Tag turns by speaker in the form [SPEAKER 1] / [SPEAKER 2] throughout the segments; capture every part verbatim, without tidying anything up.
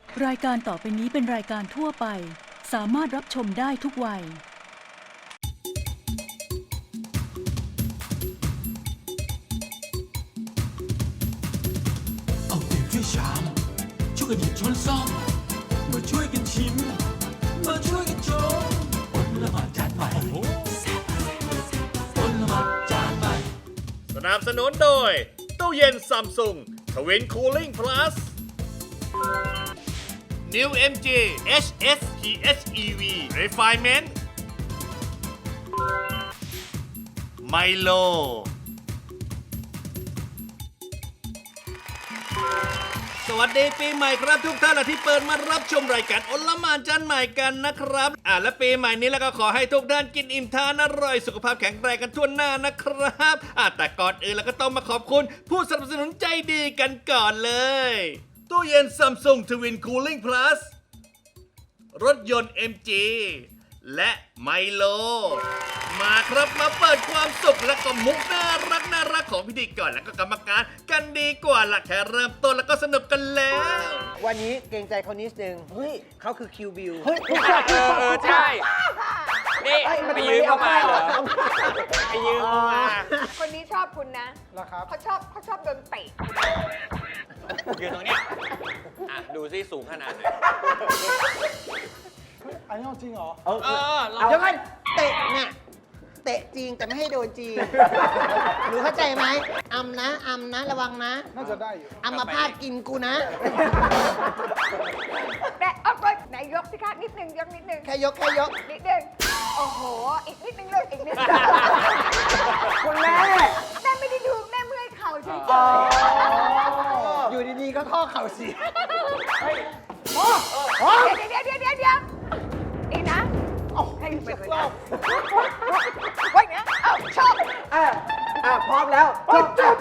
[SPEAKER 1] รายการต่อไปนี้เป็นรายการทั่วไปสามารถรับชมได้ทุกวัย
[SPEAKER 2] เอาเปรียบช่วยชามช่วยกันหยิบช้อนซ่อมมาช่วยกันชิมมาช่วยกันชมอดละหมาดจานใหม่อดละหมาดจานใหม่
[SPEAKER 3] สนับสนุนโดยตู้เย็นซัมซุงทวินคูลิ่งพลัส New เอ็ม จี เอช เอส พี เอช อี วี Refinement ไมโลสวัสดีปีใหม่ครับทุกท่านที่เปิดมารับชมรายการอลหม่านจานใหม่กันนะครับอ่าและปีใหม่นี้แล้วก็ขอให้ทุกท่านกินอิ่มทานอร่อยสุขภาพแข็งแรงกันทั่วหน้านะครับอ่าแต่ก่อนอื่นเราก็ต้องมาขอบคุณผู้สนับสนุนใจดีกันก่อนเลยตู้เย็น Samsung Twin Cooling Plus รถยนต์ เอ็ม จี และไมโลมาครับมาเปิดความสุขและก็มุกน่ารักน่ารักของพิธีกรและก็กรรมการกันดีกว่าละแค่เริ่มต้นแล้วก็สนุกกันแล้ว
[SPEAKER 4] วันนี้เกรงใจเขานิดนึงเฮ้ยเขาคือคิวบิว
[SPEAKER 5] เออใช่ นี่ไปยืมเข้ามาเหรอไปยืมเข้ามา
[SPEAKER 6] คนนี้ชอบคุณนะ
[SPEAKER 4] เหรอครับ
[SPEAKER 6] เขาชอบเขาชอบโดนเตะ
[SPEAKER 5] ยืนตรงเนี้ยอ่ะดูซิสูงขนาดไหน
[SPEAKER 4] อันนี้จริงเหรอ
[SPEAKER 5] เออเรา
[SPEAKER 4] เดี๋ยวกันเตะเนี่ยเตะจริงแต่ไม่ให้โดนจริงหนูเข้าใจไหมอำนะอำนะระวังนะน่าจะได้อยู่อำมาพาดกินกูนะ
[SPEAKER 6] แต่เอาก็ไหนยกสิคะนิดนึงยกนิดนึง
[SPEAKER 4] แค่ยกแค่ยก
[SPEAKER 6] นิดนึงโอ้โห อีกนิดนึงเลยอีกนิดนึง
[SPEAKER 4] คุณแม่
[SPEAKER 6] แม่ไม่ได้ดูแม่เมื่อยเข่าเฉย
[SPEAKER 4] อยู่ดีๆก็ข้อเข่าเสีย
[SPEAKER 6] ๆเดี๋ยวเดี๋ยวเดี๋ยวเดี๋ยวเดี๋ยวอีกนะให้ไปเลยนะไว้นะเอาชอบ
[SPEAKER 4] อ่ะอ่ะพร้อมแล้วจบจบ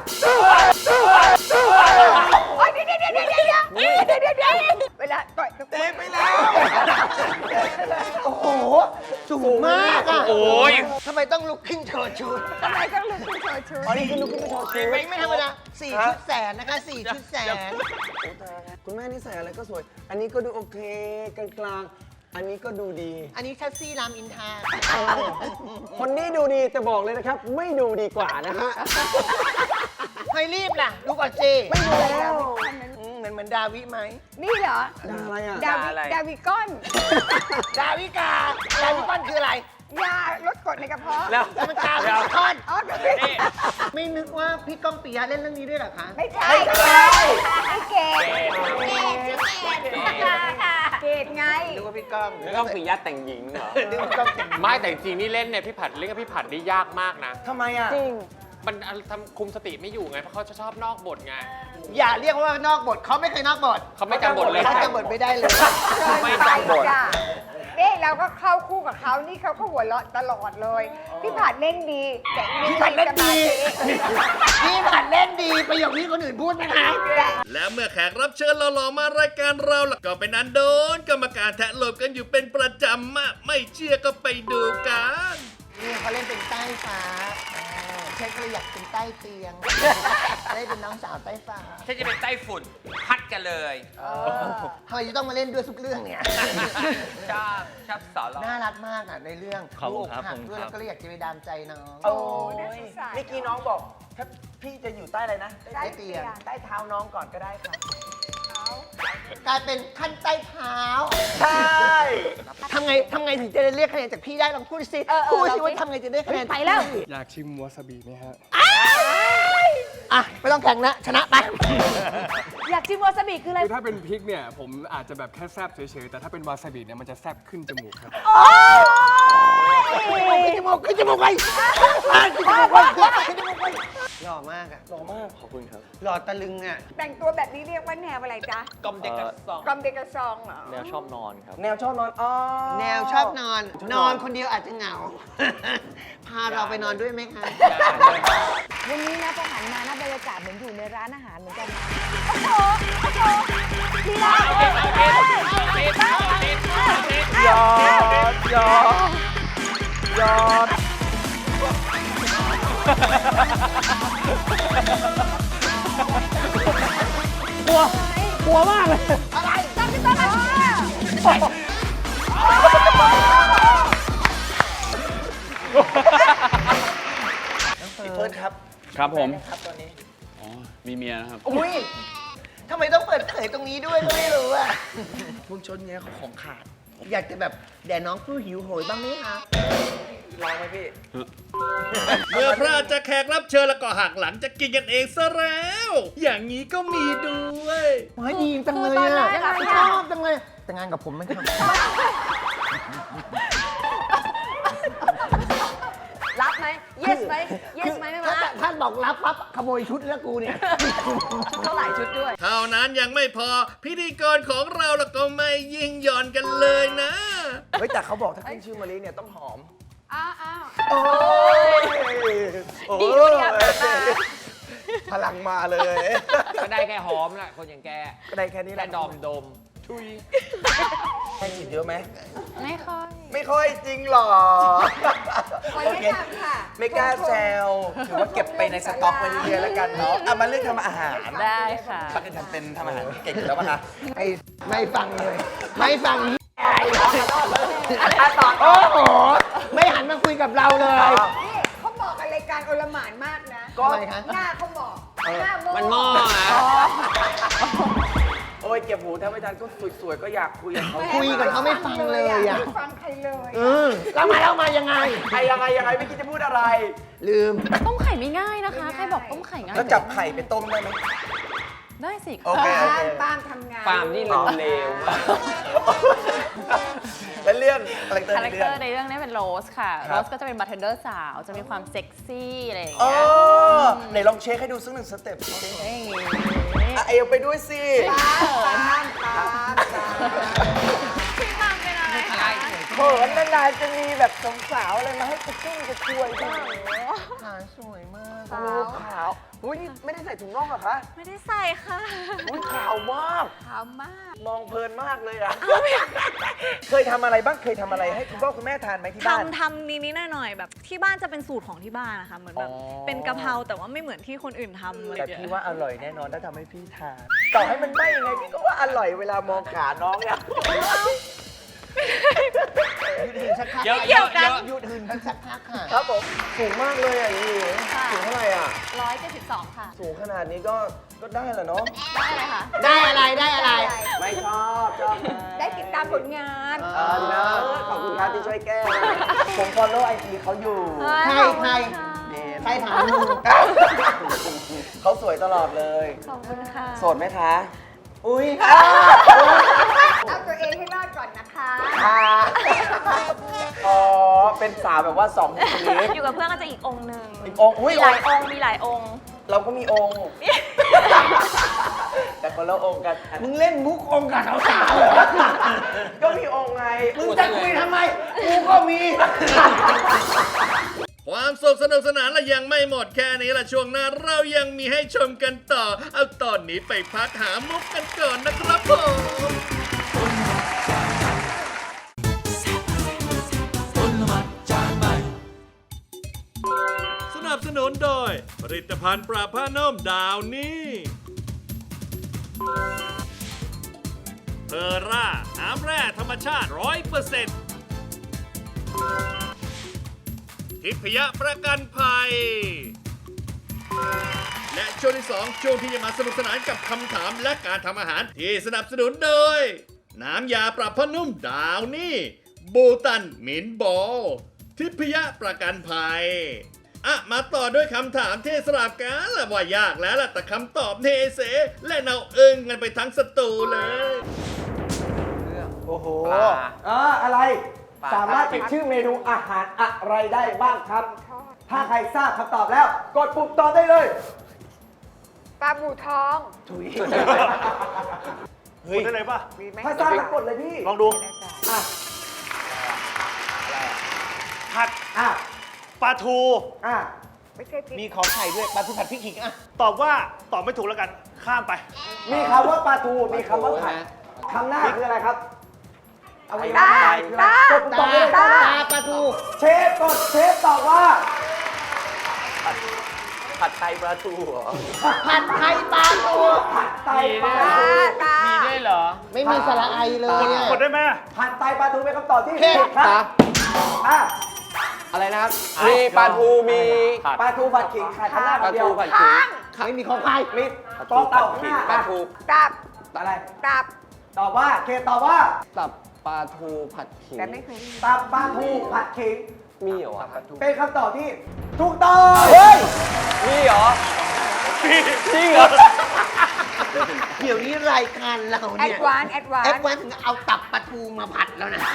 [SPEAKER 6] โอ้ยเดี๋ยวเดี๋ยวเดี๋ยวเดี๋ยวเดี๋ยวเดี๋ยวเดี๋ยวเดี๋ยวเวลาต่อยเตะไปแล้ว
[SPEAKER 4] โอ้โหสูงมากอ่ะ
[SPEAKER 5] โอ้ย
[SPEAKER 4] ทำไมต้องลุกขึ้นโชว์ชุด
[SPEAKER 6] ทำไมต้องลุกขึ้นโชว์ชุด
[SPEAKER 4] อ๋อนี่คือลุกขึ้นมาโชว์ชุดไม่ไม่ธรรมดาสี่ชุดแสนนะคะสี่ชุดแสน
[SPEAKER 7] คุณแม่นี่ใส่อะไรก็สวย อันนี้ก็ดูโอเคกลางๆ อันนี้ก็ดูดี
[SPEAKER 4] อันนี้แท็กซี่รามอินทรา
[SPEAKER 7] คนนี้ดูดีแต่บอกเลยนะครับ ไม่ดูดีกว่านะฮะ
[SPEAKER 4] ไม่รีบล่ะดูก่อนสิ
[SPEAKER 7] ไม่ดูแล้ว
[SPEAKER 4] อืมเหมือนเหมือนดาวิไหม
[SPEAKER 6] นี่เหรอ
[SPEAKER 7] ดาอะไรอ่ะ
[SPEAKER 6] ดาวิดาวิก้อน
[SPEAKER 4] ดาวิกา ดาวิก้อนคืออะไร
[SPEAKER 6] ยาลดกรดในกระเพาะ
[SPEAKER 5] แล้ว
[SPEAKER 4] มันกาวิคอน
[SPEAKER 6] อ๋อไม่ใช่
[SPEAKER 5] นี่
[SPEAKER 4] ไม่นึกว่าพี่ก้องปิยะเล่นเรื่องนี้ด้วยเหรอคะ
[SPEAKER 6] ไม่ใช่ไม่ใช่ไม่เกดเกดชื่อเกดเกดไง
[SPEAKER 4] นึกว่าพี่ก้อง
[SPEAKER 5] แล้วก็ปิยะแต่งหญิงเหรอ
[SPEAKER 4] นึกว่าพี่ก้องเป็น
[SPEAKER 5] ไม่แต่จริงๆนี่เล่นเนี่ยพี่ผัดเล่นกับพี่ผัดนี่ยากมากนะ
[SPEAKER 7] ทำไมอ่ะ
[SPEAKER 4] จริง
[SPEAKER 5] มันทำคุมสติไม่อยู่ไงเพราะเขาจะชอบนอกบทไง
[SPEAKER 4] อย่าเรียกว่านอกบทเขาไม่เคยนอกบท
[SPEAKER 5] เขาไม่จำบทเลย
[SPEAKER 4] เขาจำบทไม่ได้เลย
[SPEAKER 5] ไม่จำบท
[SPEAKER 6] จ้ะนี่เราก็เข้าคู่กับเขานี่เขาก็หัวเราะตลอดเลย พี่ผัดเล่นดีแต่อี
[SPEAKER 4] พี่ผัดเล่นดี
[SPEAKER 6] สมาธิ
[SPEAKER 4] พี่ผัดเล่นดีประโยคนี้คนอื่นพูดไม่ได้
[SPEAKER 3] และเมื่อแขกรับเชิญหล่อๆมารายการเราล่ะก็เป็นอันโดนกรรมการแทะโลบกันอยู่เป็นประจำมากไม่เชื่อก็ไปดูกัน
[SPEAKER 4] นี่เขาเล่นเป็นใต้ฟ้าเช่นก็เลยอยากเป็นใต้เตียง ได้เป็นน้องสาวใต้ฟ้า
[SPEAKER 5] ฉันจะเป็นไต้ฝุ่นพัดกันเลย
[SPEAKER 4] ทำไมจะต้องมาเล่นด้วยทุกเรื่องเนี่ย
[SPEAKER 5] ชอบชอบสอนเรา
[SPEAKER 4] น่ารักมากอ่ะในเรื่อง
[SPEAKER 7] ขอบคุณครับ
[SPEAKER 4] หัก
[SPEAKER 7] ขอบคุณ
[SPEAKER 4] ด้วย
[SPEAKER 7] ครั
[SPEAKER 4] แล้ว
[SPEAKER 7] บ
[SPEAKER 4] ก็เลยอยากจะไปดามใจน้อง
[SPEAKER 6] โอ้น่าสงสาร
[SPEAKER 7] เมื่อกี้น้องบอก ถ้าพี่จะอยู่ใต้อะไรนะ
[SPEAKER 6] ใต้เตียง
[SPEAKER 7] ใต้เท้าน้องก่อนก็ได้ค่ะ
[SPEAKER 4] กลายเป็นขั้นใต้เท้า
[SPEAKER 7] ใช่
[SPEAKER 4] ทำไงทำไงถึงจะได้เรียกคะแนนจากพี่ได้ลองพูดสิ
[SPEAKER 6] เออเออ
[SPEAKER 4] พูดสิ
[SPEAKER 6] ลองสิ
[SPEAKER 4] ว่าทำไงจะได้คะแนน
[SPEAKER 6] ไปแล้ว
[SPEAKER 8] อยากชิมวาซาบิไหมฮะ
[SPEAKER 4] อ่ะไม่ต้องแข่งนะชนะไป
[SPEAKER 6] อยากชิมวาซาบิคืออะไร
[SPEAKER 8] คือถ้าเป็นพริกเนี่ย ผมอาจจะแบบแค่แซบเฉยๆ แต่ถ้าเป็นวาซาบิเนี่ยมันจะแซบขึ้นจมูกครับ
[SPEAKER 4] ขึ้นจมูกขึ้นจมูกไปขึ้นจมูกไปขึ้นจมูกไปหล่อมากอ่ะ
[SPEAKER 7] หล่อมาก ขอบคุณครับ
[SPEAKER 4] หล่อตะลึงอ่ะ
[SPEAKER 6] แต่งตัวแบบนี้เรียกว่าแนวอะไรจ๊ะ
[SPEAKER 5] กลมเด็กกระสอง
[SPEAKER 6] กอมเดกระซองเหรอ
[SPEAKER 7] แนวชอบนอนครับ แนวชอบนอน อ๋อ
[SPEAKER 4] แนวชอบนอน นอนคนเดียวอาจจะเหงา พาเราไปนอนด้วยไหมคะ
[SPEAKER 6] วันนี้นะพอหันมานะบรรยากาศเหมือนอยู่ในร้านอาหารเหมือนกันนะโอ้โหโอ้โหดีแล้ว
[SPEAKER 7] ยอดยอดยอด
[SPEAKER 4] อะไรตั้งใจ
[SPEAKER 6] พี่ต้นมา
[SPEAKER 7] พี่เฟิร์สครับ
[SPEAKER 5] ครับผม
[SPEAKER 7] ครับตอนนี้
[SPEAKER 5] อ๋อ มีเมียนะครับ
[SPEAKER 4] อุ้ยทำไมต้องเปิดเผยตรงนี้ด้วยก็ไม่รู้อะ
[SPEAKER 7] พวกชนเนี้ยเขาของขาด
[SPEAKER 4] อยากจะแบบแด่น้องผู้หิวโหยบ้างไหมคะ
[SPEAKER 7] ลองไหมพี่
[SPEAKER 3] เมื่อพระจะแขกรับเชิญแล้วก็หักหลังจะกินกันเองซะแล้ว อย่างนี้ก็มีด้วย
[SPEAKER 4] เฮ้ยดีจังเลย
[SPEAKER 6] คือตอนแร
[SPEAKER 4] อะ
[SPEAKER 6] กอะ
[SPEAKER 4] ชอบจังเลย แต่งงานกับผมไหมครับ
[SPEAKER 6] รับไหม yes ไหม yes ไหมไม่มา
[SPEAKER 4] ถ้าท่านบอกรับปั๊บขโมยชุดแล้วกูเนี่ย
[SPEAKER 6] เท่าไหร่ชุดด้วย
[SPEAKER 3] เท่านั้นยังไม่พอพิธีกรของเราแล้วก็ไม่ยิ่งหย่อนกันเลยนะ
[SPEAKER 7] เฮ้ยแต่เขาบอกถ้าขึ้นชื่อมารีเนี่ยต้องหอม
[SPEAKER 6] อ้าวอ้าว
[SPEAKER 7] โอ้ย
[SPEAKER 6] ดีด้วยเนี่ยเปิดมา
[SPEAKER 7] พลังมาเลย
[SPEAKER 5] ก็ได้แค่หอมแหละคนอย่างแก
[SPEAKER 7] ก็ได้แค่นี้แห
[SPEAKER 5] แค่
[SPEAKER 7] ละ
[SPEAKER 5] ดอมดม ทุย
[SPEAKER 7] แค่ฉีดเยอะไหม
[SPEAKER 6] ไม่ค่อย
[SPEAKER 7] ไม่ค่อยจริงหรอ
[SPEAKER 6] วัน
[SPEAKER 7] โอ
[SPEAKER 6] นี้
[SPEAKER 7] เค
[SPEAKER 6] ทำค่ะ
[SPEAKER 7] ไม่กล้าแซวถือว่าเก็บไปในสต็อกไว้เรื่อยๆแล้วกันเนาะเอามาเรื่องทำอาหาร
[SPEAKER 6] ได้ค่ะ
[SPEAKER 7] ปักกันทำเป็นทำอาหารที่เก่งอยู่แล้วป่ะคะ
[SPEAKER 4] ไอ้ไม่ฟังเลย ไม่ฟัง
[SPEAKER 6] ต่อ
[SPEAKER 4] โอ้โห ไม่หันมาคุยกับเราเลย
[SPEAKER 6] นี่เขาบอกกันรายการโอลหม่านมากนะ
[SPEAKER 4] ก็อะไรคะ
[SPEAKER 6] หน้าเขาบอก หน้าโม
[SPEAKER 5] มันหม้อนะ
[SPEAKER 7] โอ้ยเก็บหูถ้าไม่ทันก็สวยๆก็อยากคุยกับเขา
[SPEAKER 4] คุยกับเขาไม่ฟังเลยอะ
[SPEAKER 6] ไม่ฟังใครเลย
[SPEAKER 4] เออแล้วมาแล้วมายังไง
[SPEAKER 7] ใครยังไงยังไงไม่คิดจะพูดอะไร
[SPEAKER 4] ลืม
[SPEAKER 9] ต้มไข่ไม่ง่ายนะคะ ใครบอกต้มไข่ง่าย
[SPEAKER 7] แล้วจับไข่ไปต้มได้ไหม
[SPEAKER 9] ได้สิ
[SPEAKER 7] โอเคโอ
[SPEAKER 6] ปา
[SPEAKER 7] เค
[SPEAKER 6] ล์มปาล์มทำงาน
[SPEAKER 5] ปาล์มนี่เลวมาก
[SPEAKER 7] แล้วเรื่องคาแรคเตอร์
[SPEAKER 9] คา
[SPEAKER 7] ใน
[SPEAKER 9] แรค
[SPEAKER 7] เรื่
[SPEAKER 9] เต
[SPEAKER 7] อ
[SPEAKER 9] อง ร์ในเรื่องนี้เป็นโรสค่ะ
[SPEAKER 7] ค
[SPEAKER 9] โร
[SPEAKER 7] รับ
[SPEAKER 9] สก็จะเป็นบาร์เทนเดอร์สาว จะมีความเซ็กซี่อะไรอย่าง
[SPEAKER 7] เอ
[SPEAKER 9] เงี้ย
[SPEAKER 7] อไหนลองเช็คให้ดูสักหนึ่งสเต็ปสิ
[SPEAKER 9] อย่างงี้
[SPEAKER 7] อ่ะเอวไปด้วยสิ
[SPEAKER 6] ปาล์มปาล์มปาล์มปาล์ม
[SPEAKER 9] พี่ปาล์มเป็นอะไรคะ
[SPEAKER 7] เขินนานๆจะมีแบบสาวๆอะไรมาให้กระชุ่มกระชวยบ้าง
[SPEAKER 4] ขาสวยมาก
[SPEAKER 7] โอ้ขาวอุ้ยนี่ไม่ได้ใส่ถุงน่องเหรอคะ
[SPEAKER 9] ไม่ได้ใส่ค่ะ
[SPEAKER 7] อุ้ยขาวมาก
[SPEAKER 9] ขาวมาก
[SPEAKER 7] มองเพลินมากเลยอ่ะ เคยทำอะไรบ้างเคยทำอะไรให้คุณพ่อคุณแม่ทานไหมที่บ้าน
[SPEAKER 10] ทำทำนิดๆหน่อยๆแบบที่บ้านจะเป็นสูตรของที่บ้านนะคะเหมือนแบบ
[SPEAKER 7] อ๋อ
[SPEAKER 10] เป็นกะเพราแต่ว่าไม่เหมือนที่คนอื่นทำอะไร
[SPEAKER 7] แต่
[SPEAKER 10] อย่าง
[SPEAKER 7] พี่
[SPEAKER 10] เงี้ย
[SPEAKER 7] ว่าอร่อยแน่นอนถ้าทำให้พี่ทาน ต่อให้มันไม่ยังไงพี่ก็ว่าอร่อยเวลามองขาน้องเนี่ย
[SPEAKER 4] หยุดหืนสักพัก
[SPEAKER 5] เยอะเยอะเยอะ
[SPEAKER 4] หยุดหืนกันสักพักค่ะ
[SPEAKER 7] ครับผมสูงมากเลยอ่ะนี่สูงเท่าไหร่อ่ะ
[SPEAKER 9] ร้อยเจ็ดสิบสองค่ะ
[SPEAKER 7] สูงขนาดนี้ก็ก็ได้แหละเนาะ
[SPEAKER 9] ได้เลยค่ะ
[SPEAKER 4] ได้อะไรได้อะไร
[SPEAKER 7] ไม่ชอบชอบ
[SPEAKER 6] ได้ติดตามผลงาน
[SPEAKER 7] อ่าดีนะขอบคุณครับที่ช่วยแก้ ผมฟอลโล่ไอจีเขาอยู่
[SPEAKER 4] ใครใคร
[SPEAKER 7] นี่
[SPEAKER 4] ใครถามมึง
[SPEAKER 7] เขาสวยตลอดเลย
[SPEAKER 9] ขอบคุณค่ะ
[SPEAKER 7] โสดไหมคะ
[SPEAKER 4] อุ้ย
[SPEAKER 6] เอาตัวเองให้รอดก่อนนะคะ
[SPEAKER 7] ค่ะอ๋อ เป็นสาวแบบว่าสองบุคลิก
[SPEAKER 9] อยู่กับเพื่อนก็จะอีกองค์หนึ่ง
[SPEAKER 7] อีกองค์อุ้ย
[SPEAKER 9] มีหลายองค์ มีหลายองค์
[SPEAKER 7] เราก็มีองค์ แต่คนละองค์กัน
[SPEAKER 4] มึงเล่นมุกองค์กับสาวๆเหรอ
[SPEAKER 7] ก็มีองค์ไง
[SPEAKER 4] มึงจะคุยทำไม กูก็มี
[SPEAKER 3] ความสุขสนุกสนานและยังไม่หมดแค่นี้ละช่วงหน้าเรายังมีให้ชมกันต่อ เอาตอนนี้ไปพักหามุกกันก่อนนะครับผม
[SPEAKER 2] อลหม่านจานใหม่
[SPEAKER 3] สนับสนุนโดย ผลิตภัณฑ์ปราบผ้านุ่มดาวนี่เพอร่าน้ำแร่ธรรมชาติ ร้อยเปอร์เซ็นต์ ทิพยประกันภัย และช่วงที่สองช่วงที่จะมาสนุกสนานกับคำถามและการทำอาหารที่สนับสนุนโดย น้ำยาปรับผ้านุ่มดาวนี่บูตันหมินบอลทิพยประกันภัยอ่ะมาต่อด้วยคำถามที่สลับกันละว่ายากแล้วล่ะแต่คำตอบเทเสและเนาเอิงกันไปทั้งสตูเลย
[SPEAKER 7] โอ้โห
[SPEAKER 5] ปลา
[SPEAKER 7] อ่าอะไร
[SPEAKER 5] ปลา
[SPEAKER 7] สามารถติดชื่อเมนูอาหารอะไรได้บ้างครับ ถ้าใครทราบคำตอบแล้ว กดปุ่มตอบได้เลย
[SPEAKER 6] ปลาบูทอง
[SPEAKER 7] ถุย
[SPEAKER 11] เฮ้ยได้เลยป่ะ
[SPEAKER 6] มีไหม
[SPEAKER 7] ถ้าทราบแล้วกดเลยพี่
[SPEAKER 11] ลองดู
[SPEAKER 7] อ่ะ
[SPEAKER 11] ผัด
[SPEAKER 7] อ่ะ
[SPEAKER 11] ปลาทู
[SPEAKER 7] อ่ะ
[SPEAKER 6] ไม่ใช่พริก
[SPEAKER 4] มีขอไข่ด้วยปลาทูผัดพริกขิงอ่ะ
[SPEAKER 11] ตอบว่าตอบไม่ถูกแล้วกัน ข้ามไป
[SPEAKER 7] มีคำว่าปลาทู มีคำว่าผัดคำหน้าคืออะไรครับเอาไว้
[SPEAKER 6] ตา
[SPEAKER 7] คืออะไร
[SPEAKER 6] ตาก
[SPEAKER 7] ดปุ่มตอบได้เลย
[SPEAKER 4] ตา
[SPEAKER 7] ครับ
[SPEAKER 4] ตาปลาทู
[SPEAKER 7] เชฟกดเชฟตอบว่า ผัดไทยปลาทูเหรอ
[SPEAKER 4] ผัดไทยปลาทู
[SPEAKER 7] ผัดไทยปลา
[SPEAKER 6] ตา
[SPEAKER 7] ทู
[SPEAKER 6] ตา
[SPEAKER 5] มีด้วยเหรอ
[SPEAKER 4] ไม่มีสระไอเลยอะ
[SPEAKER 11] กดได้ไหม
[SPEAKER 7] ผัดไตปลาทูเป็นคำตอบที่
[SPEAKER 4] เผ็
[SPEAKER 7] ผิ
[SPEAKER 4] ด
[SPEAKER 7] ดครับอ่ะอะไรนะครับ
[SPEAKER 5] มีปลาทูมี
[SPEAKER 7] ปลาทูผัดขิงขาดข้างหน้า
[SPEAKER 5] ปลา
[SPEAKER 7] เดีย
[SPEAKER 5] ทู
[SPEAKER 7] ว
[SPEAKER 5] ผัดขิง
[SPEAKER 4] ไม่มีของใคร
[SPEAKER 7] มีตอบตอบข้างหน้า
[SPEAKER 5] ปลาทู
[SPEAKER 6] ตับ
[SPEAKER 7] อะไร
[SPEAKER 6] ตับ
[SPEAKER 7] ตอบว่าเคตอบว่า
[SPEAKER 5] ตับปลาทูผัดขิง
[SPEAKER 6] แต่ไม่เคย
[SPEAKER 7] ตับปลาทูผัดขิง
[SPEAKER 5] มีเหรอวะ
[SPEAKER 7] เป็นคำตอบที่ถูกต้องเฮ้ย
[SPEAKER 5] มีเหรอจริงเหรอ
[SPEAKER 4] เดี๋ยวนี้รายการเรา
[SPEAKER 6] แอ
[SPEAKER 4] เนี่ย
[SPEAKER 6] ดวานซ์แอดวาน
[SPEAKER 4] แอด
[SPEAKER 6] ซ์
[SPEAKER 4] วานซ์ถึงเอาตับปลาทูมาผัดแล้วนะ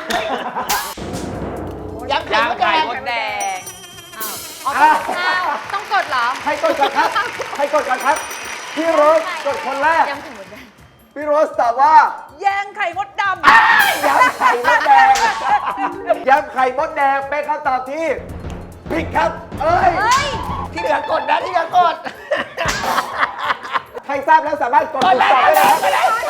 [SPEAKER 4] ยำไข่
[SPEAKER 5] ย่าง
[SPEAKER 4] มดแด
[SPEAKER 5] ไข่
[SPEAKER 4] ง
[SPEAKER 5] มดแดง
[SPEAKER 6] อ้าวต้องกดเหรอ
[SPEAKER 7] ใครกดก่อนครับใครกดก่อนครับ พี่โรสกดคนแรก
[SPEAKER 6] ยำไข่มดแดง
[SPEAKER 7] พี่โรสตอบว่า
[SPEAKER 6] แยงไข่มดดำ
[SPEAKER 7] ยำไข่มดแดงยำไข่มดแดงเป็นคำตอบที่ผิดครับ เอ้ย
[SPEAKER 6] เฮ้ย
[SPEAKER 4] ที่เหลือกดนะที่เหลือกด
[SPEAKER 7] ใครทราบแล้วสามารถกดถูกตอบได้เลยครับ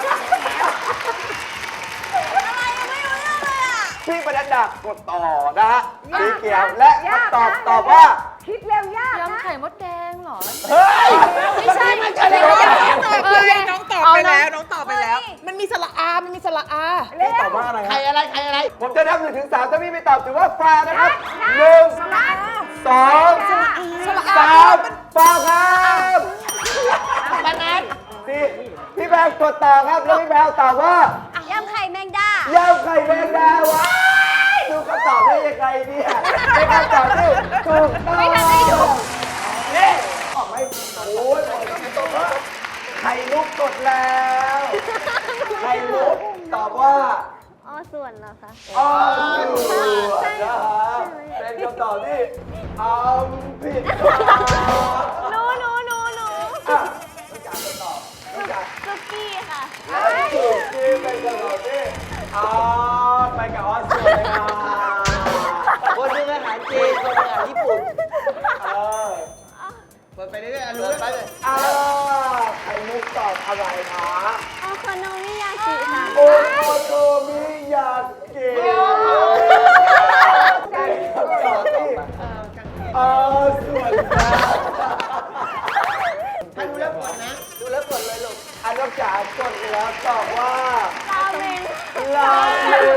[SPEAKER 7] พี่ปนัดดากดต่อนะฮะสีเขียวและคำตอบตอบว่า
[SPEAKER 6] คิดเร็วยากนะ
[SPEAKER 10] ยำไข่มดแดงเหรอ
[SPEAKER 7] เฮ้ย
[SPEAKER 10] ไม่ใช่
[SPEAKER 4] ไม่ใช่เลย
[SPEAKER 6] เออน้องตอบไปแล้วน้องตอบไปแล้ว มันมีสระอา มันมีสระอา
[SPEAKER 7] พี่ตอบว่าอะไรค
[SPEAKER 4] ใคร
[SPEAKER 7] รับ
[SPEAKER 4] อะไรใครอะไร
[SPEAKER 7] ผมจะนับหนึ่งถึงสามถ้าพี่ไม่ตอบถือว่าฟาวนะครับหนึ่งสองสามฟาวครับ
[SPEAKER 4] ปานัด
[SPEAKER 7] สี่พี่แบงกดต่อครับแล้วพี่แบงตอบว่าย
[SPEAKER 6] ำไข่แมงดา
[SPEAKER 7] ยำไข่แมงดาวะดูคำตอบได้ยังไงเนี่ยเป็นคำตอบที่ถูกต้องไม่ทันได้ดูนี่ออกไหมโอ้ยไข่มุกกดแล้วไข่มุกตอบว่า
[SPEAKER 6] อ๋อส่วนเหรอคะ
[SPEAKER 7] อ๋อถูกนะฮะเป็นคำตอบที่อ้ำผิดครับ
[SPEAKER 6] หนูหนูหนูหนู
[SPEAKER 7] อ่ะต้องการคำตอบต้องการ
[SPEAKER 6] ซุกี้ค่ะ
[SPEAKER 7] และถูกที่เป็นคำตอบที่อ้าวไปกับออสเตรเลีย
[SPEAKER 4] คนหนึงอาหารจีนคนหนึงอาหารญี่ปุ่น
[SPEAKER 7] เออ
[SPEAKER 4] เปิดไปเรื่อยๆรู้ไปเลย
[SPEAKER 7] อ่าไข่มุกตอบอะไรคะ
[SPEAKER 6] โอโคโนมิยากิค่ะ
[SPEAKER 7] โอโคโตมิยากิเป็นคำตอบที่เออส่วนนะ
[SPEAKER 4] ถ้าดูแล้วกดนะ ดูแล้วกดเลยลูก
[SPEAKER 7] อันนอกจากกดแล้วตอบว่า
[SPEAKER 6] ราเมง
[SPEAKER 7] ลาเมง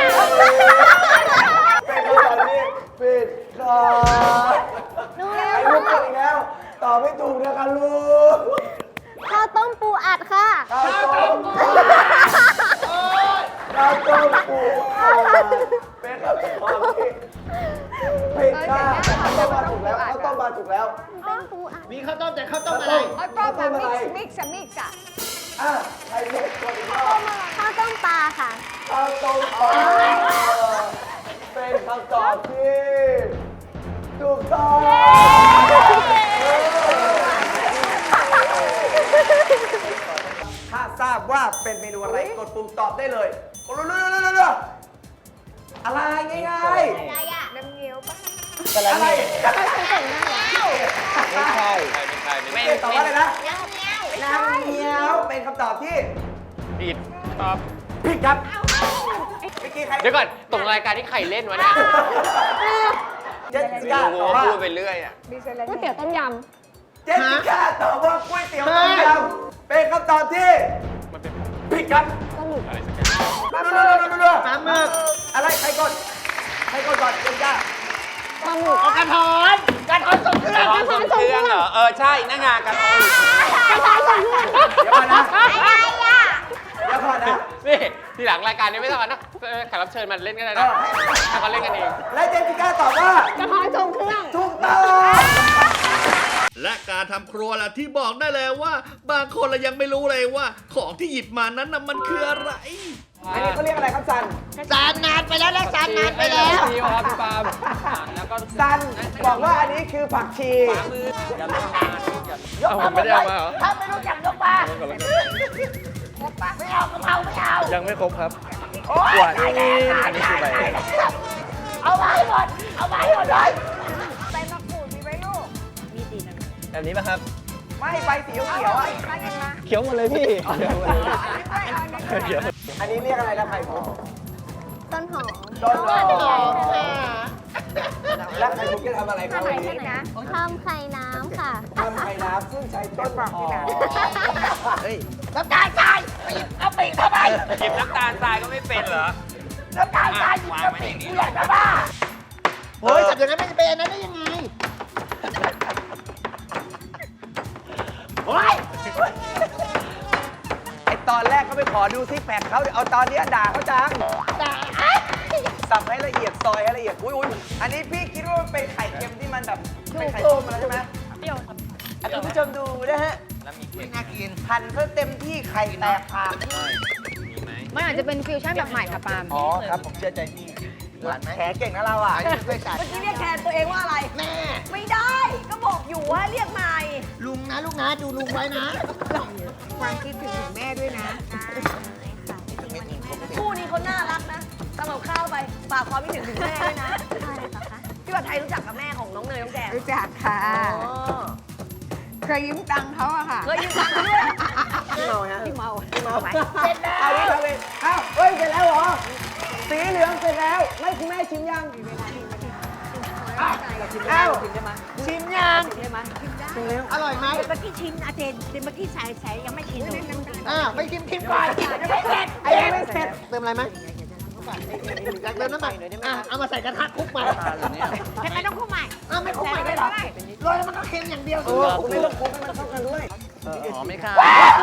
[SPEAKER 7] เป็นคำตอบที่ผิดครับไอ้ลูกกดอีกแล้วตอบไม่ถูกนะคะลูก
[SPEAKER 6] ข้าวต้มปูอัดค่ะ
[SPEAKER 7] ข้าวต้มข้าวต้มปูอัดเป็นคำตอบที่ผิดค่ะข้าวต้มมาถูกแล้วข้าวต้มมาถูกแล้ว
[SPEAKER 6] เป็นปูอัด
[SPEAKER 4] มีข้าวต้มแต่ข้าวต้มอะไร
[SPEAKER 6] ไอ้ปลาแบบมิกซ์มิกซ์อะมิกซ์อะ
[SPEAKER 7] อ่ะใครลูกกดอีกแล้ว
[SPEAKER 6] ข้าวต้มปลาค่ะ
[SPEAKER 7] ข้าวต้มปลาเป็นคำตอบที่ถูกต้องถ้าทราบว่าเป็นเมนูอะไรกดปุ่มตอบได้เลยกดเร็วๆๆๆอะไรง่าย
[SPEAKER 6] อะไรอะน้ำเงี้ยวปะ
[SPEAKER 7] ๆอะไร
[SPEAKER 5] ไม่ใช่ไม่ใช่ไม่
[SPEAKER 7] ไม่ตอบว่าอะไรนะ
[SPEAKER 6] น้ำเงี้ยว
[SPEAKER 7] น้ำเงี้ยวเป็นคำตอบที่
[SPEAKER 5] ผิดตอบ
[SPEAKER 7] ผิดครับเมื่อกี้ใคร
[SPEAKER 5] เดี๋ยวก่อนตรงรายการที่ใครเล่นวะเนี่ย
[SPEAKER 7] เจสสิ
[SPEAKER 5] ไม่
[SPEAKER 7] ก้า
[SPEAKER 5] รู้
[SPEAKER 7] ตอบ
[SPEAKER 5] ว่า
[SPEAKER 7] ว่า
[SPEAKER 5] พูดไปเรื่อยอ่ะ
[SPEAKER 6] ก๋วยเตี๋ยวต้มย
[SPEAKER 7] เจสสิก้าตอบว่าก๋วยเตี๋ยวต้มยำเป็นคำตอบที่ผิดครับรัวๆๆๆ
[SPEAKER 4] ปลาหมึก
[SPEAKER 7] อะไรใครกดใครกดก่อนเจสสิก้า
[SPEAKER 4] เอากระถอนกระถอนส่งเครื่อง
[SPEAKER 5] ร้อนส่งเครื่องเหรอ เออ ใช่หน้างานกัน
[SPEAKER 7] เดี๋ยวก่อนนะเดี๋ยวก่อนนะ
[SPEAKER 5] นี่ทีหลังรายการนี้ไม่ต้องเอานะเออแขกรับเชิญมาเล่นก็ได้นะให้เขาเล่นกันเอง
[SPEAKER 7] และเจสสิก้าตอบว่า
[SPEAKER 6] ำกระเพาะทรงเครื่อง
[SPEAKER 7] ถูกต้อง
[SPEAKER 3] และการทำครัวล่ะที่บอกได้เลยว่า บางคนเรายังไม่รู้เลยว่า ของที่หยิบมานั้นน่ะมันคืออะไร
[SPEAKER 7] อันนี้เขาเรียกอะไรครับซัน
[SPEAKER 4] สารนานไปแล้วนะสารนานไปแล้ว
[SPEAKER 5] พี่ครับพี่ปาล์มแล้วก็
[SPEAKER 7] ซันบอกว่าอันนี้คือผักชี
[SPEAKER 5] มืออย่าลงมาอย่าเอาผมไม่ได้เอามาเหรอ
[SPEAKER 4] ถ้าไม่รู้จักยกมาไม่เอากะเพราไม่เอา
[SPEAKER 8] ยังไม่ครบครับ
[SPEAKER 4] โอ๊ยตายแล้วอันนี้คือใบเอามาให้หมด เอามาให้หมดเลย
[SPEAKER 6] ใบมะกรูดมีไหมลูก
[SPEAKER 8] แบบนี้ป่ะครับ
[SPEAKER 7] ไม่ใบสีเขียวๆอ่ะ
[SPEAKER 6] มากันมา
[SPEAKER 8] เขียวหมดเลยพี่เขียวหมดเลยเขียว
[SPEAKER 7] อันนี้เรียกอะไรนะไข่มุก
[SPEAKER 6] ต้นหอม
[SPEAKER 7] ต้นหอมแล้วไข่มุกจะทำอะไรครับวันนี้
[SPEAKER 6] ทำไข่น้ำค่ะ
[SPEAKER 7] ทำไข่น้ำซึ่งใช้ต้นหอม
[SPEAKER 4] น้ำตาลทรายปีกเอาปีกทำไม
[SPEAKER 5] หยิบน้ำตาลทรายก็ไม่เป็นเหรอ
[SPEAKER 7] น้ำตาลทราย
[SPEAKER 5] วางไว้ในนี้
[SPEAKER 7] กูอยากจะบ้า
[SPEAKER 4] โอ้ยจับอย่างนั้นไม่จะเป็นอันนั้นได้ยังไง
[SPEAKER 7] โอ้ยไอตอนแรกเขาไปขอดูซิกแพคเขาเอาตอนเนี้ยด่าเขาจัง
[SPEAKER 4] ด่า
[SPEAKER 7] สับให้ละเอียดซอยให้ละเอียดอุ้ยอุ้ยอันนี้พี่คิดว่ามันเป็นไข่เค็มที่มันแบบเป็นไข่ต้มมาแล้วใช่ไหม
[SPEAKER 9] เปรี้ยวครับ
[SPEAKER 7] อ่ะคุณผู้ชมดูนะฮะ
[SPEAKER 5] แล้วมีเค้ก
[SPEAKER 4] น่ากิน
[SPEAKER 7] หั่นเขาเต็มที่ไข่แตกปาก
[SPEAKER 5] มีไหม
[SPEAKER 6] มันอาจจะเป็นฟิวชั่นแบบใหม่ค่ะปาล์ม
[SPEAKER 7] อ๋อครับผมเชื่อใจพี่
[SPEAKER 4] หวานไหม
[SPEAKER 7] แขเก่งนะเราอ่ะ
[SPEAKER 4] ช่วยกัด
[SPEAKER 10] เมื่อกี้เรียกแทนตัวเองว่าอะไร
[SPEAKER 4] แม่
[SPEAKER 10] ไม่ได้ ก็บอกอยู่ว่าเรียกใหม่
[SPEAKER 4] ลุงนะลูกนะดูลุงไว้นะ
[SPEAKER 6] ความคิดถึงแม่ด้วยนะ
[SPEAKER 10] คู่นี้เขาน่ารักนะทำกับข้าวไปฝากความคิดถึงถึงแม่ด้วยนะพี่ผัดไทยรู้จักกับแม่ของน้องเนยน้องแกง
[SPEAKER 6] รู้จักค่ะ
[SPEAKER 10] อ๋อ
[SPEAKER 6] เคยยืมตังค์เขาอะค่ะ
[SPEAKER 10] เคยยืมตังค์เขาด้วย
[SPEAKER 7] พี่เมาฮะ
[SPEAKER 6] พี่เมา
[SPEAKER 7] พี่เมาไปเสร็จแล้วเอาดิเอาเลยเอ้าเฮ้ยเสร็จแล้วเหรอ สีเหลืองเสร็จแล้ว ไม่คุณแม่ชิมยังอ้าวอ้าวชิมยัง
[SPEAKER 4] อร่อยไหม
[SPEAKER 6] เมื่อกี้ชิมอาเจนเมื่อกี้ใส่ใส่ยังไม่ชิมเลย
[SPEAKER 4] อ่าไปชิมชิมก่อนยังไม่เสร็จยังไม่เสร็จเติมอะไรไหมอยากเติมน้ำมันอ่ะเอามาใส่กระทะคลุกมา
[SPEAKER 6] ทำไมต้องคู่ใหม่
[SPEAKER 4] อ้าวไม่คลุกใหม่ได้เหรอโรยแล้วมันก็เค็มอย่างเดียวสิ
[SPEAKER 7] คุณไม่ต้องคลุกให้มันเข้ากันด้วย
[SPEAKER 5] อ๋อไม่ค่ะ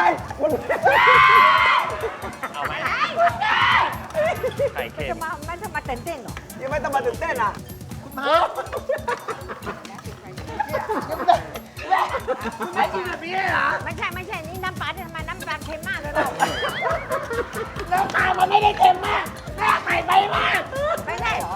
[SPEAKER 5] เอาไหมไข่เค็ม
[SPEAKER 6] จะมามันจะมาเต้นเต้นหรอ
[SPEAKER 7] ยังไม่ต้องมาตื่นเต้นอ่ะ
[SPEAKER 4] คุณมาไม่กินแบบนี้เหรอ
[SPEAKER 6] ไม่ใช่ไม่ใช่นี่น้ำปลาทำไมน้ำปลาเค็มมากเลยเรา
[SPEAKER 4] น้ำตาลมันไม่ได้เค็มมากแม่ใส่ไปมาก
[SPEAKER 6] ไม่ใช่เหรอ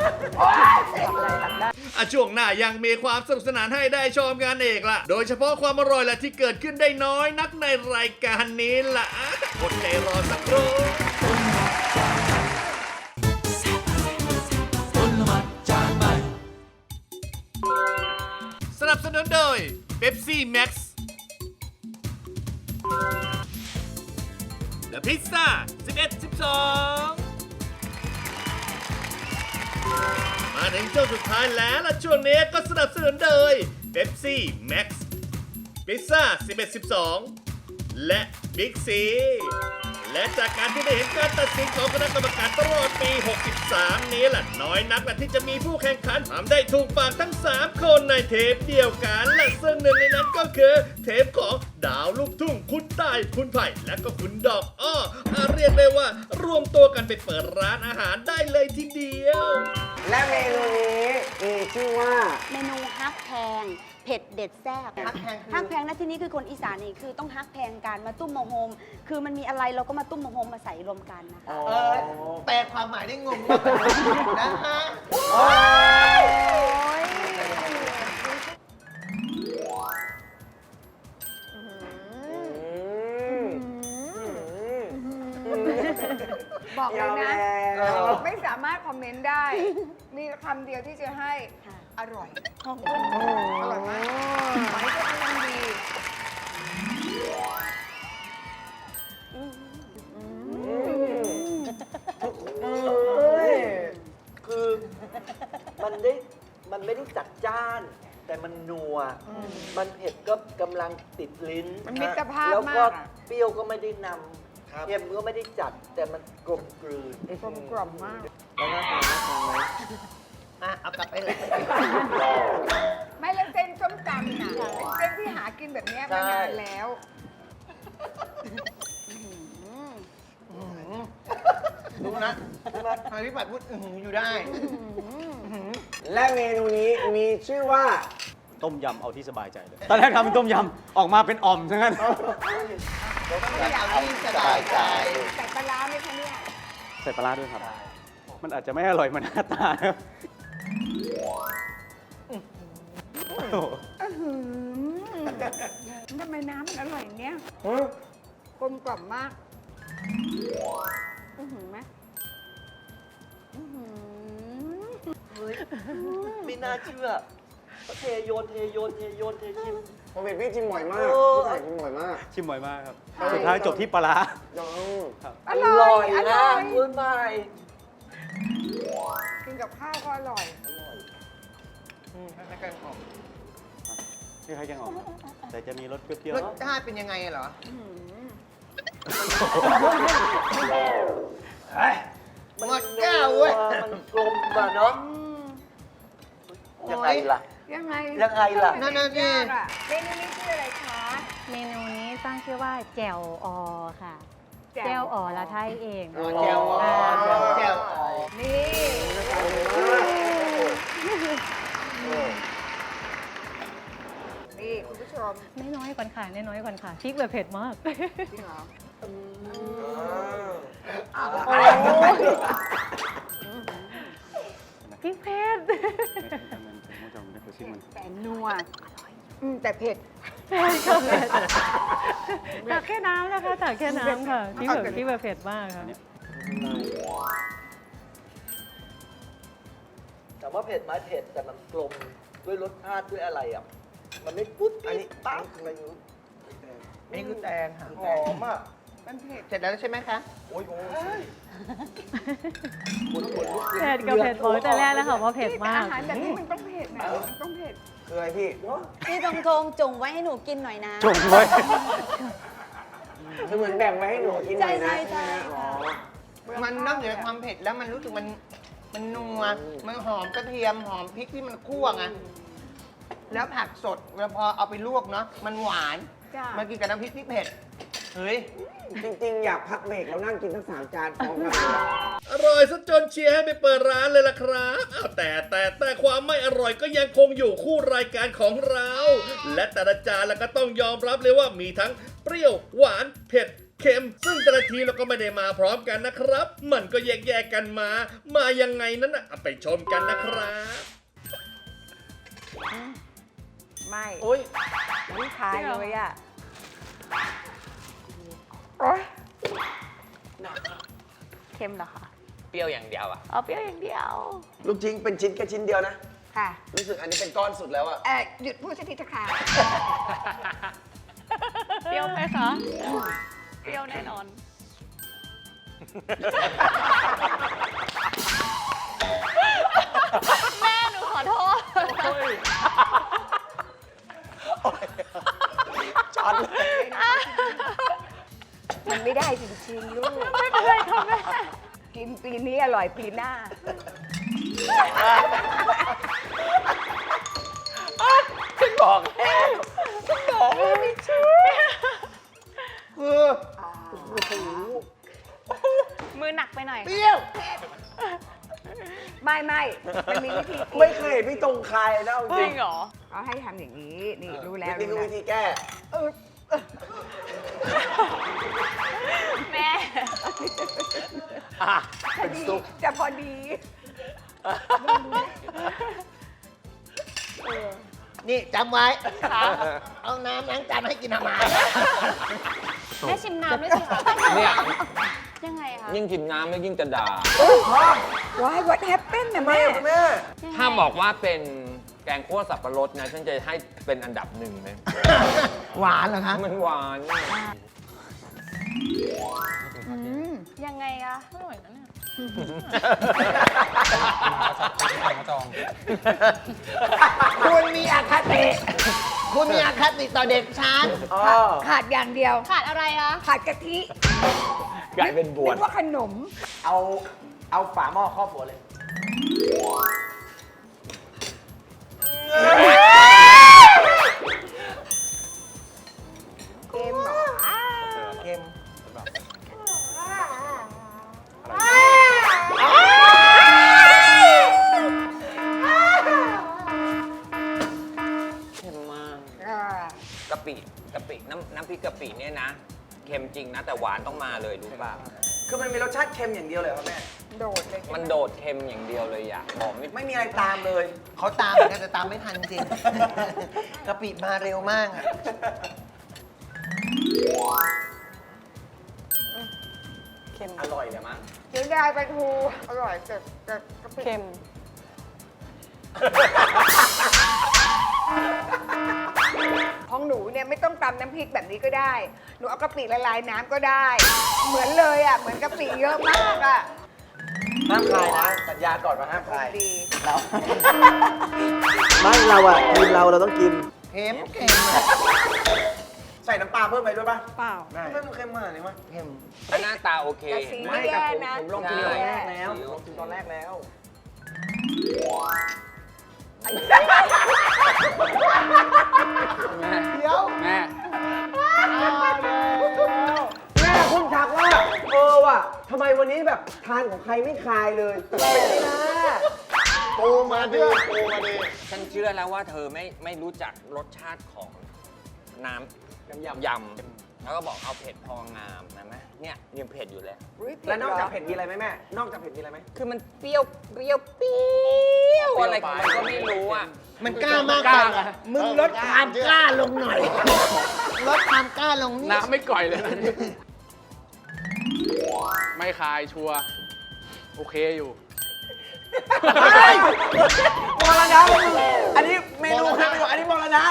[SPEAKER 3] อ่ะช่วงหน้ายังมีความสนุกสนานให้ได้ชมกันอีกล่ะ โดยเฉพาะความอร่อยและที่เกิดขึ้นได้น้อยนักในรายการนี้ล่ะอดใจรอสักครู่
[SPEAKER 2] อลหม่านจานใหม่
[SPEAKER 3] สนับสนุนโดยเ e ปซี่แม็กซ์และพิซซ่า สิบเอ็ด สิบสอง มาถึงช่วงสุดท้ายแล้วและช่วงนี้ก็สนับสนุนโดยเ e ปซี่แม็กซ์พิซซ่า สิบเอ็ด สิบสอง และบิ๊กซีและจากการที่ได้เห็นการตัดสินของคณะกรรมการตลอดปี หกสิบสาม นี้แหละน้อยนักที่จะมีผู้แข่งขันทำได้ถูกปากทั้ง สาม คนในเทปเดียวกัน และซึ่งหนึ่งในนั้นก็คือเทปของดาวลูกทุ่งคุณตายคุณไผ่และก็คุณดอกอ้ออาเรียกได้ว่ารวมตัวกันไปเปิดร้านอาหารได้เลยทีเดียว
[SPEAKER 7] และเมนูนี้มีชื่อว่า
[SPEAKER 12] เมนูฮักแพงเผ็ดเด็ดแซ่บ
[SPEAKER 4] ฮักแพงคือ
[SPEAKER 12] ฮักแพงนะที่นี้คือคนอีสานนี่คือต้องฮักแพงกันมาตุ้มโมโฮมคือมันมีอะไรเราก็มาตุ้มโมโฮมมาใส่รวมกันนะคะ
[SPEAKER 4] เออแปลความหมายได้งงมากนะฮะ
[SPEAKER 6] บอกเลยนะ
[SPEAKER 7] ยอมแล้ว
[SPEAKER 6] ไม่สามารถคอมเมนต์ได้ มีคำเดียวที่จะให้ อร่อย อร่อยมากหมายก็กำลังดี
[SPEAKER 7] เอ้ยคือมันได้มันไม่ได้จัดจ้าน แต่มันนัว มันเผ็ดก็กำลังติดลิ้น
[SPEAKER 6] มันมิตรภาพ
[SPEAKER 7] แล้วก็
[SPEAKER 6] มากอะ
[SPEAKER 7] เปรี้ยวก็ไม่ได้นำเค็มก็ไม่ได้จัด แต่มันกลมกลืน
[SPEAKER 6] กลมกล่อมมาก
[SPEAKER 7] แล้วน่าทานน่าทานไหม
[SPEAKER 4] อ่ะเอากลับไปเลย
[SPEAKER 6] ไม่แล้วเส้นส้มตำน่ะเป็นเส้นที่หากินแบบเนี้ยมานานแล้ว
[SPEAKER 4] ดูนะทางพี่ปัดพูดอื้อหืออยู่ได้
[SPEAKER 7] และเมนูนี้มีชื่อว่า
[SPEAKER 13] ต้มยำเอาที่สบายใจเลย ตอนแรกทำเป็นต้มยำ ออกมาเป็นอ่อมซะงั้น
[SPEAKER 4] อยากเอาที่สบายใจ
[SPEAKER 6] ใส่ปลาร้าไหมคะเนี่ย
[SPEAKER 13] ใส่ปลาร้าด้วยครับ มันอาจจะไม่อร่อยเหมือนหน้าตานะครับโอ้โห
[SPEAKER 6] อื้อหือทำไมน้ำมันอร่อยอย่างเนี้ยกลมกล่อมมากอื้อหือไหมอื้อหือ
[SPEAKER 7] เฮ้ย ไม่น่าเชื่อ เทโยนเทโยนเทโยนเทชิม
[SPEAKER 14] ผมเห็นพี่ชิมบ่อยมาก
[SPEAKER 7] โอ้
[SPEAKER 14] พี่ไผ่ชิมบ่อยมาก
[SPEAKER 13] ชิมบ่อยมากครับ สุดท้ายจบที่ปลาร้า
[SPEAKER 14] น้อง
[SPEAKER 13] ครับ
[SPEAKER 6] อร่อยอร่
[SPEAKER 7] นะ
[SPEAKER 6] อย
[SPEAKER 7] คุณไผ่
[SPEAKER 6] กินกับข้าวก็อร่อย
[SPEAKER 4] ในการออก
[SPEAKER 13] นี่ใครยังออก แต่จะมีรสเปรี้ยว
[SPEAKER 4] รสชาติเป็นยังไงเหรอหมดแก้วเว้ย
[SPEAKER 7] มันกลมอ่ะเนาะยังไงล่ะ
[SPEAKER 6] ยังไง
[SPEAKER 7] ยังไงล่ะ
[SPEAKER 4] นั่นน่ะสิ
[SPEAKER 6] ยากอะเมนูนี้ชื่ออะไรคะ
[SPEAKER 15] เมนูนี้ตั้งชื่อว่าแจ่วออค่ะ
[SPEAKER 6] แจ่ว
[SPEAKER 15] แจ่วออละไทยเอง
[SPEAKER 4] อ๋อแจ่วอ๋อแจ่วอ๋อ
[SPEAKER 6] นี่ นี่คุณผู้ชม
[SPEAKER 15] ไม่น้อยก่อนค่ะไม่น้อยก่อนค่ะพริกแบบเผ็ดมาก
[SPEAKER 6] จริงเหรอ
[SPEAKER 15] พริกเผ็ด
[SPEAKER 6] แต่นัวอืมแต่เผ็ด
[SPEAKER 15] เผ็ดค่ะเผ็ดตักแค่น้ำนะคะตักแค่น้ำค่ะพริกแบบพริกแบบเผ็ดมากค่ะ
[SPEAKER 7] แต่ว่าเผ็ดไหมเผ็ดแต่มันกลมด้วยรสชาติด้วยอะไรอ่ะ มันไม่ปุ๊บอันนี้ปั๊บอะไรอยู่
[SPEAKER 4] อันนี้คือแตงค่ะ
[SPEAKER 7] หอมอ่ะ
[SPEAKER 6] มันเผ็ด
[SPEAKER 4] เสร็จแล้วใช่ไหมคะ
[SPEAKER 7] โอ้ยโอ้ย
[SPEAKER 15] เผ็ดกับเผ็ดบอกแต่แรกแล้วค่ะว่าเผ็ดมาก
[SPEAKER 6] อาหารแบบนี้มันต้องเผ็ดนะมันต้องเผ็ด
[SPEAKER 7] คืออะไรพี่
[SPEAKER 12] พี่ตรงทงจงไว้ให้หนูกินหน่อยนะ
[SPEAKER 13] จงไว้
[SPEAKER 14] คือเหมือนแบ่งไว้ให้หนูกินหน่อยนะ
[SPEAKER 12] ใช่ใช่
[SPEAKER 14] อ๋อ
[SPEAKER 4] มันนอกเหนือจากความเผ็ดแล้วมันรู้สึกมันมันนัว มันหอมกระเทียมหอมพริกที่มันคั่วไง แล้วผักสดเวลาพอเอาไปลวกเนาะ มันหวาน
[SPEAKER 6] จ้ะ
[SPEAKER 4] มากินกับน้ำพริกที่เผ็ด เฮ้ย
[SPEAKER 14] จริงๆ อยากพักเบรกแล้วนั่งกินทั้งสามจานพร้อมกันเลย
[SPEAKER 3] อร่อยซะจนเชียร์ให้ไปเปิดร้านเลยล่ะครับอ้าวแต่แต่แต่ความไม่อร่อยก็ยังคงอยู่คู่รายการของเรา และแต่ละจานแล้วก็ต้องยอมรับเลยว่ามีทั้งเปรี้ยวหวานเผ็ดเค็ม ซึ่งแต่ละทีเราก็ไม่ได้มาพร้อมกันนะครับ มันก็แยกๆกันมา มายังไงนั้นน่ะเอาไปชมกันนะครับ
[SPEAKER 6] ไม่
[SPEAKER 7] โอ้ย
[SPEAKER 6] ไม่ทายเลยอ่ะโอ๊ย
[SPEAKER 9] เค็มเหรอคะ
[SPEAKER 5] เปรี้ยวอย่างเดียวอ่ะ
[SPEAKER 9] เอาเปรี้ยวอย่างเดียว
[SPEAKER 14] ลูกชิ้นเป็นชิ้นแค่ชิ้นเดียวนะ
[SPEAKER 6] ค่ะ
[SPEAKER 14] รู้สึกอันนี้เป็นก้อนสุดแล้วอะ
[SPEAKER 6] เอ่อหยุดพูดสักทีเถอะค่ะ
[SPEAKER 9] เปรี้ยวไหมคะ เปรี้ยวแน่นอน แม่หนูขอโทษ
[SPEAKER 14] ช็อตเลย
[SPEAKER 6] มันไม่ได้จริงๆลูก
[SPEAKER 9] ไม่เป็นไรค่ะแม่
[SPEAKER 6] กินปีนี้อร่อยปีหน้า
[SPEAKER 5] ฉันบอกแล้วฉันบอกแล้วไม่เชื่อ
[SPEAKER 4] คือ
[SPEAKER 9] มือหนักไปหน่อย
[SPEAKER 4] เปรี้ยว
[SPEAKER 6] ไม่ไม่มันมีวิธี
[SPEAKER 14] ไม่เคยเห็นพี่ตรงใครนะเอา
[SPEAKER 9] จ
[SPEAKER 14] จ
[SPEAKER 9] ริ
[SPEAKER 14] ริ
[SPEAKER 9] ง
[SPEAKER 14] ง
[SPEAKER 9] เหรอ
[SPEAKER 6] เขาให้ทำอย่างนี้ นี่รู้แล้ว
[SPEAKER 14] นี่คือ
[SPEAKER 6] รู้
[SPEAKER 14] วิ
[SPEAKER 6] แล้ว
[SPEAKER 14] ธีแก้
[SPEAKER 6] เออ
[SPEAKER 9] แม่
[SPEAKER 6] พอดีจะพอดี
[SPEAKER 4] นี่จำไว้ เอาน้ำล้างจานให้กินทำไม
[SPEAKER 9] แม่ชิมน้ำด้วยสิคะ
[SPEAKER 5] เนี่ย
[SPEAKER 9] ยังไงคะ
[SPEAKER 5] ยิ่งกินน้ำแล้วยิ่งจะด่า
[SPEAKER 6] ว้าย what happened นะแม่
[SPEAKER 14] แม่
[SPEAKER 5] ถ้าบอกว่าเป็นแกงคั่วสับปะรดนะ ฉันจะให้เป็นอันดับหนึ่งเลย
[SPEAKER 4] หวานเหรอคะ
[SPEAKER 5] มันหวาน
[SPEAKER 9] ยังไงอะอร่อยนะเนี่ย
[SPEAKER 4] คุณมีอคติ คุณมีอคติต่อเด็กฉัน
[SPEAKER 6] ขาดอย่างเดียว
[SPEAKER 9] ขาดอะไรคะ
[SPEAKER 6] ขาดกะทิ
[SPEAKER 5] กลายเป็นบวช
[SPEAKER 6] นึกว่าขนม
[SPEAKER 14] เอา เอาฝาหม้อครอบหัวเลย
[SPEAKER 6] เค็มเหรอ
[SPEAKER 14] เค็ม
[SPEAKER 5] เค็มมาก
[SPEAKER 6] อ่าก
[SPEAKER 5] ะปิกะปิน้ำน้ำพริกกะปิเนี่ยนะ เค็มจริงนะ แต่หวานต้องมาเลยรู้ป่ะ
[SPEAKER 14] คือมันมีรสชาติเค็มอย่างเดียวเลยครับแม่
[SPEAKER 6] โดดเลยใช่ไห
[SPEAKER 5] มันโดดเค็มอย่างเดียวเลยอ่ะหอมไม่
[SPEAKER 14] ไม่มีอะไรตามเลย
[SPEAKER 4] เขาตามเหมือนกันแต่ตามไม่ทันจริง กะปิมาเร็วมากอะ
[SPEAKER 14] เค็มอร่อยเลยมั้ง
[SPEAKER 6] เสียดายปลาทูอร่อยแต่แต่กะปิ
[SPEAKER 9] เค็ม
[SPEAKER 6] ของหนูเนี่ยไม่ต้องตำน้ำพริกแบบนี้ก็ได้ หนูเอากะปิละลายน้ำก็ได้ เหมือนเลยอ่ะ เหมือนกะปิเยอะมากอ่ะ
[SPEAKER 14] ห้ามคายนะ สัญญาก่อนว่าห้ามคาย
[SPEAKER 6] ดี
[SPEAKER 14] เรา ไม่เราอะทีมเราเราต้องกิน
[SPEAKER 4] เค็มเค็มอะ
[SPEAKER 14] ใส่น้ำปลาเพิ่มไปด้วยป่ะ
[SPEAKER 6] เปล่า
[SPEAKER 14] เพิ่มเค็มมากเลยวะเค็ม
[SPEAKER 5] หน้าตาโอเค
[SPEAKER 10] แต่สี
[SPEAKER 14] ไม่
[SPEAKER 10] ไม่
[SPEAKER 14] แต่
[SPEAKER 10] แย่
[SPEAKER 14] ผม
[SPEAKER 10] นะ
[SPEAKER 14] ผมลองกินตอนแรกแล้วลองกินตอนแรกแล้ว เดี๋ยว
[SPEAKER 5] แม่
[SPEAKER 14] แม่คุณถักว่าเออว่ะทำไมวันนี้แบบทานของใครไม่คายเลยเป็นไม่ได้โอมาดิโอมาดิ
[SPEAKER 5] ฉันเชื่อแล้วว่าเธอไม่ไม่รู้จักรสชาติของน้ำ
[SPEAKER 14] น้ำยำ
[SPEAKER 5] ยำแล้วก็บอกเอาเผ็ดพองามนะแม่เนี่ยยังเผ็ดอยู่เลย
[SPEAKER 14] แล้วนอกจากเผ็ดมีอะไรไหมแม่ นอกจากเผ็ดมีอะไรไหม
[SPEAKER 5] คือมันเปรี้ยวเปรี้ยวเปรี้ยวอะไรของมันก็ไม่รู้อ่ะ
[SPEAKER 4] มันกล้ามากไปอะมึงลดความกล้าลงหน่อย ลดความกล้าลงนิด
[SPEAKER 8] น้ำไม่ก่อยเลยนะไม่คายชัวร์โอเคอยู่
[SPEAKER 14] มรณะมึงอันนี้เมนูนะเมนูอันนี้มรณะ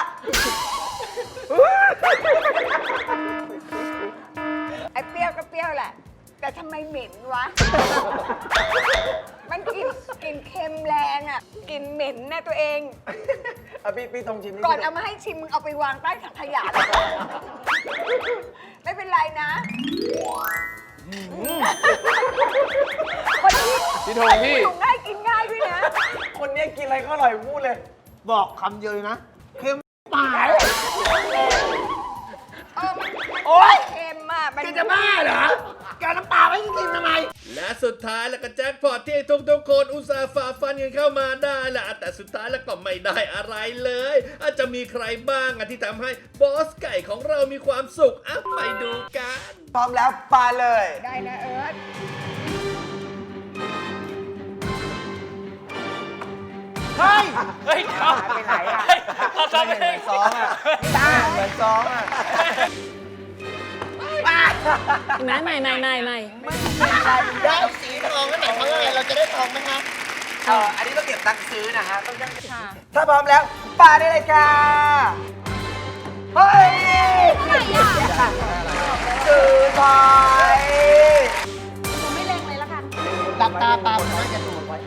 [SPEAKER 6] ไอ้เปรี้ยวก็เปรี้ยวแหละ แต่ทำไมเหม็นวะ มันกลินกลินเค็มแรงอ่ะกลินเหม็นนะตัวเอง
[SPEAKER 14] อ่ะพี่พี่ตรงชิมนี่
[SPEAKER 6] ก่อนเอามาให้ชิมมึงเอาไปวางใต้ถังขยะเลยไม่เป็นไรนะ คนที่
[SPEAKER 8] พี่ธงพี่
[SPEAKER 6] อยู่ง่ายกินง่ายด้วยนะ
[SPEAKER 14] คนเนี้ยกินอะไรก็อร่อยพูดเลย
[SPEAKER 4] บอกคำเดียวเลยนะ เค็มตาย
[SPEAKER 6] เออมัน
[SPEAKER 4] โอ๊ย
[SPEAKER 6] เค็มอ่ะมัน
[SPEAKER 4] แกจะบ้าเหรอแกน้ำปลาไม่กินทำไม
[SPEAKER 3] และสุดท้ายแล้วก็แจ็คพอตที่ทุกๆคนอุตส่าห์ฝ่าฟันกันเข้ามาได้แหละแต่สุดท้ายแล้วก็ไม่ได้อะไรเลย อาจจะมีใครบ้างอะที่ทำให้บอสไก่ของเรามีความสุขอ่ะไปดูกัน
[SPEAKER 14] พร้อมแล้วปลาเลย
[SPEAKER 6] ได้นะเอิร์ธ
[SPEAKER 14] เฮ้ย
[SPEAKER 5] เฮ้ยเดี๋ยว
[SPEAKER 14] ไปไหนอ่ะ
[SPEAKER 5] เขาทำเอง
[SPEAKER 14] สองอ่ะตาเหมือนสองอ่ะ
[SPEAKER 9] ไหนใหม่ใหม่ใหม่ใหม่
[SPEAKER 4] ได้สีทองก็ไหนทองอะไรเราจะได้ทองไหมคะ
[SPEAKER 14] เอออันนี้ต้องเก็บตังค์ซื้อนะฮะต้องยัง
[SPEAKER 9] ค่ะ
[SPEAKER 14] ถ้าพร้อมแล้วปลาได้เลยค่ะเฮ้ยซื้อถอย
[SPEAKER 12] หนูไม่เล็งเลยละกัน
[SPEAKER 4] หลับตาปลาผมน่าจะดูดไว้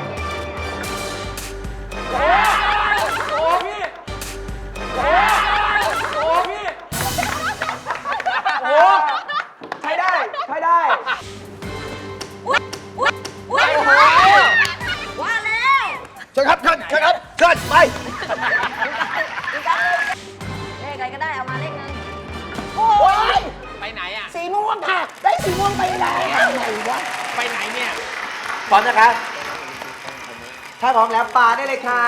[SPEAKER 14] โอ้พี่โอ้โอ้พี่โอ้ใช้ได้ใช้ได้
[SPEAKER 10] อุ้ยอุ้ยอุ้ยว่าแล้ว
[SPEAKER 4] เชิญครับเชิญเชิญครับเชิญไป
[SPEAKER 10] เลขอะไรก็ได้เอามาเลขหนึง
[SPEAKER 4] โอ้ย
[SPEAKER 5] ไปไหนอ่ะ
[SPEAKER 4] สีม่วงค่ะ ได้สีม่วงไปแล้วไหนวะ
[SPEAKER 5] ไปไหนเนี่ย
[SPEAKER 14] พร้อมนะคะ ถ้าพร้อมแล้วปลาได้เลยค่ะ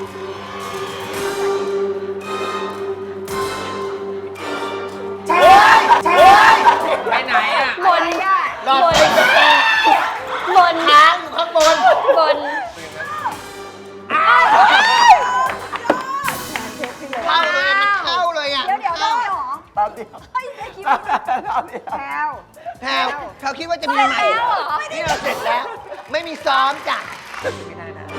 [SPEAKER 4] ใช่ใช่
[SPEAKER 5] ไปไหนอ่ะ
[SPEAKER 9] บน
[SPEAKER 4] หลอดไฟกระแต
[SPEAKER 9] บน
[SPEAKER 4] ค้างอยู่ข้างบน
[SPEAKER 9] บน
[SPEAKER 4] เข้าเลยมันเข้าเลยอ่ะ
[SPEAKER 6] เดี๋ยวเดี๋ยวได้เหรอ
[SPEAKER 14] แป๊บเดียว
[SPEAKER 6] เฮ้ยไม่คิด
[SPEAKER 14] แป๊
[SPEAKER 6] ว่า
[SPEAKER 14] บเดียว
[SPEAKER 6] แพลว
[SPEAKER 4] แพรวเขาคิดว่าจะมีใหม่เหรอนี่เราเสร็จแล้ว ไม่มีซ้อมจ้ะ
[SPEAKER 14] ไม่ได้นะ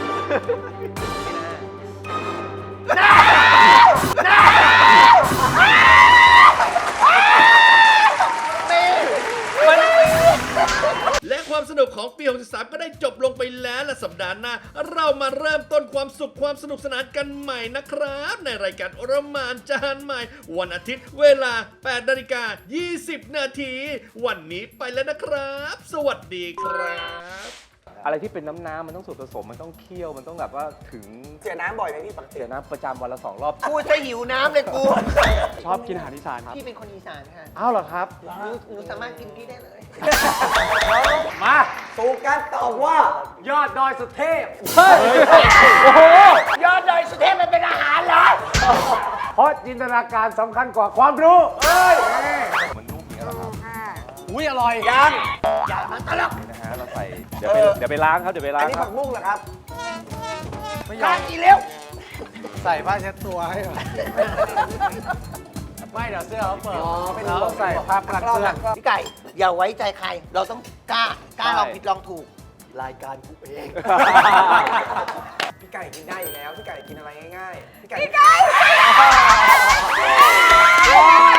[SPEAKER 3] และความสนุกของปี หกสาม ก็ได้จบลงไปแล้วและสัปดาห์หน้า เรามาเริ่มต้นความสุขความสนุกสนานกันใหม่นะครับ ในรายการโอรมานจานใหม่ วันอาทิตย์เวลา แปดนาฬิกายี่สิบนาที วันนี้ไปแล้วนะครับ สวัสดีครับ
[SPEAKER 13] อะไรที่เป็นน้ำน้ำมันต้องสูตรผสมมันต้องเคี่ยวมันต้องแบบว่าถึง
[SPEAKER 14] เสียน้ำบ่อยไหมพี่ปกติ
[SPEAKER 13] เสียน้ำประจำวันละสองรอบ
[SPEAKER 4] กูจะหิวน้ำเลยกู
[SPEAKER 13] ชอบกินอาหารอีสานครับ
[SPEAKER 4] พี่เป็นคนอีสานค่ะ
[SPEAKER 13] อ้าวเหรอครับ
[SPEAKER 4] หนูหนูสามารถกินพี่ได้เลย
[SPEAKER 13] มา
[SPEAKER 14] สู่การตอบว่า
[SPEAKER 13] ยอดดอยสุเทพ
[SPEAKER 14] เฮ้ย
[SPEAKER 13] โอ้โห
[SPEAKER 4] ยอดดอยสุเทพมันเป็นอาหารเหรอ
[SPEAKER 13] เพราะจินตนาการสำคัญกว่าความรู้เอ้ยมันนุ่มอย่างนี้เหรอครับอุ้ยอร่อย
[SPEAKER 14] ยัง
[SPEAKER 4] อย่ามาตลก
[SPEAKER 13] นะฮะเราใส่เดี๋ยวไปเดี๋ยวไปล้างครับเดี๋ยวไปล้า
[SPEAKER 14] อัน
[SPEAKER 13] ง
[SPEAKER 14] นี้
[SPEAKER 13] ครั
[SPEAKER 14] ผั
[SPEAKER 13] บ
[SPEAKER 14] กบุ้งเหรอครับ
[SPEAKER 4] ข้างอีเร็ว
[SPEAKER 13] ใส่ผ้าเช็ดตัวให้ก่อนไม่เดี๋ยวเสื้อเขาเปิดเราใส่ผ้ากันเปื้อน
[SPEAKER 4] พี่ไก่ อย่าไว้ใจใคร เราต้องกล้า กล้า
[SPEAKER 13] ใช่
[SPEAKER 4] ลองผิดลองถูก รายการกูเอง
[SPEAKER 14] พี่ไก่กินได้อยู่แล้ว พี่ไก่กินอะไรง่ายๆ พี่ไก่
[SPEAKER 6] พี่ไก่